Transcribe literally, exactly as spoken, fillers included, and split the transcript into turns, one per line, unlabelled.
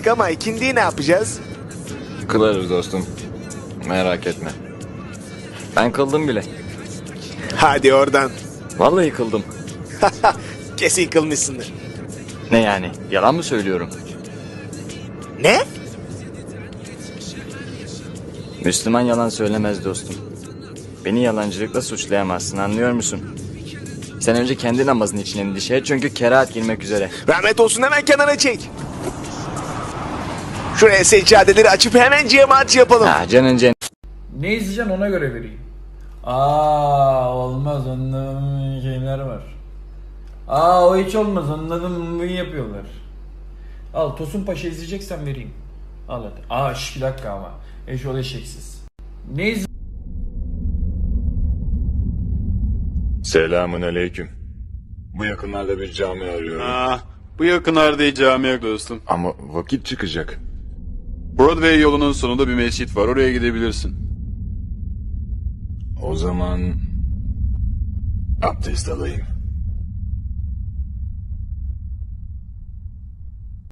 ama ikindiyi ne yapacağız?
Kılarız dostum. Merak etme. Ben kıldım bile.
Hadi oradan.
Vallahi kıldım.
Kesin kılmışsındır.
Ne yani? Yalan mı söylüyorum?
Ne?
Müslüman yalan söylemez dostum. Beni yalancılıkla suçlayamazsın, anlıyor musun? Sen önce kendi namazın için endişe et çünkü kerahat girmek üzere.
Rahmet olsun, hemen kenara çek. Şuraya seccadeleri açıp hemen cemaat yapalım.
Ha canın cen...
Ne izleyeceksin ona göre vereyim. Aa olmaz, onların şeyler var. Aa o hiç olmaz, onların bunu yapıyorlar. Al Tosun Paşa izleyeceksen vereyim. Al hadi. Aa şş, bir dakika ama. Eşol eşeksiz. Ne iz...
Selamun aleyküm. Bu yakınlarda bir cami arıyorum.
Ah, bu yakınlarda cami yok dostum.
Ama vakit çıkacak.
Broadway yolunun sonunda bir mescit var, oraya gidebilirsin.
O zaman abdest alayım.